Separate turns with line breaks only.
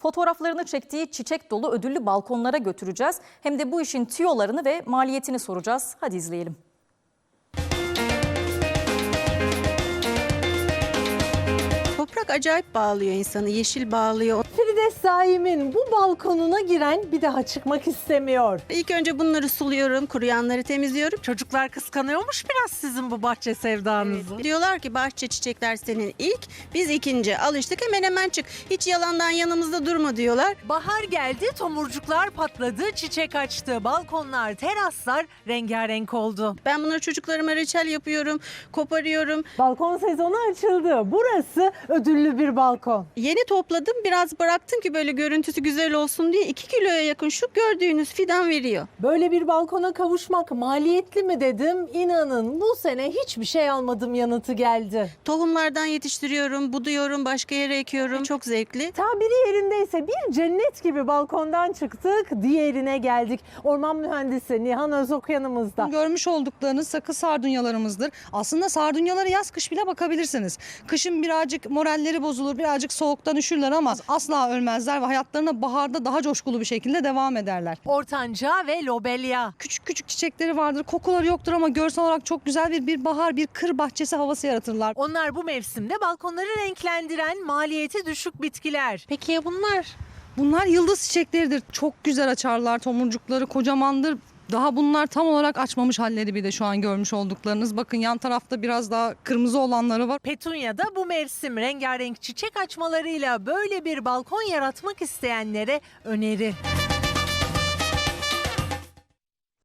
fotoğraflarını çektiği çiçek dolu ödüllü balkonlara götüreceğiz. Hem de bu işin tüyolarını ve maliyetini soracağız. Hadi izleyelim.
Toprak acayip bağlıyor insanı, yeşil bağlıyor.
Firdevs Saim'in bu balkonuna giren bir daha çıkmak istemiyor.
İlk önce bunları suluyorum, kuruyanları temizliyorum.
Çocuklar kıskanıyormuş biraz sizin bu bahçe sevdanızı.
Diyorlar ki bahçe çiçekler senin ilk, biz ikinci. Alıştık hemen çık. Hiç yalandan yanımızda durma diyorlar.
Bahar geldi, tomurcuklar patladı, çiçek açtı. Balkonlar, teraslar rengarenk oldu.
Ben bunları çocuklarıma reçel yapıyorum, koparıyorum.
Balkon sezonu açıldı. Burası ödüllü bir balkon.
Yeni topladım, biraz bıraktım ki böyle görüntüsü güzel olsun diye 2 kiloya yakın şu gördüğünüz fidan veriyor.
Böyle bir balkona kavuşmak maliyetli mi dedim. İnanın bu sene hiçbir şey almadım yanıtı geldi.
Tohumlardan yetiştiriyorum, buduyorum, başka yere ekiyorum. Çok zevkli.
Tabiri yerindeyse bir cennet gibi balkondan çıktık, diğerine geldik. Orman mühendisi Nihan Özok yanımızda.
Görmüş olduklarınız sakız sardunyalarımızdır. Aslında sardunyalara yaz kış bile bakabilirsiniz. Kışın birazcık moralleri bozulur, birazcık soğuktan üşürler ama asla ölmezler ve hayatlarına baharda daha coşkulu bir şekilde devam ederler.
Ortanca ve lobelya.
Küçük küçük çiçekleri vardır, kokuları yoktur ama görsel olarak çok güzel bir bahar, bir kır bahçesi havası yaratırlar.
Onlar bu mevsimde balkonları renklendiren maliyeti düşük bitkiler.
Peki ya bunlar?
Bunlar yıldız çiçekleridir. Çok güzel açarlar, tomurcukları kocamandır. Daha bunlar tam olarak açmamış halleri bir de şu an görmüş olduklarınız. Bakın yan tarafta biraz daha kırmızı olanları var.
Petunya da bu mevsim rengarenk çiçek açmalarıyla böyle bir balkon yaratmak isteyenlere öneri.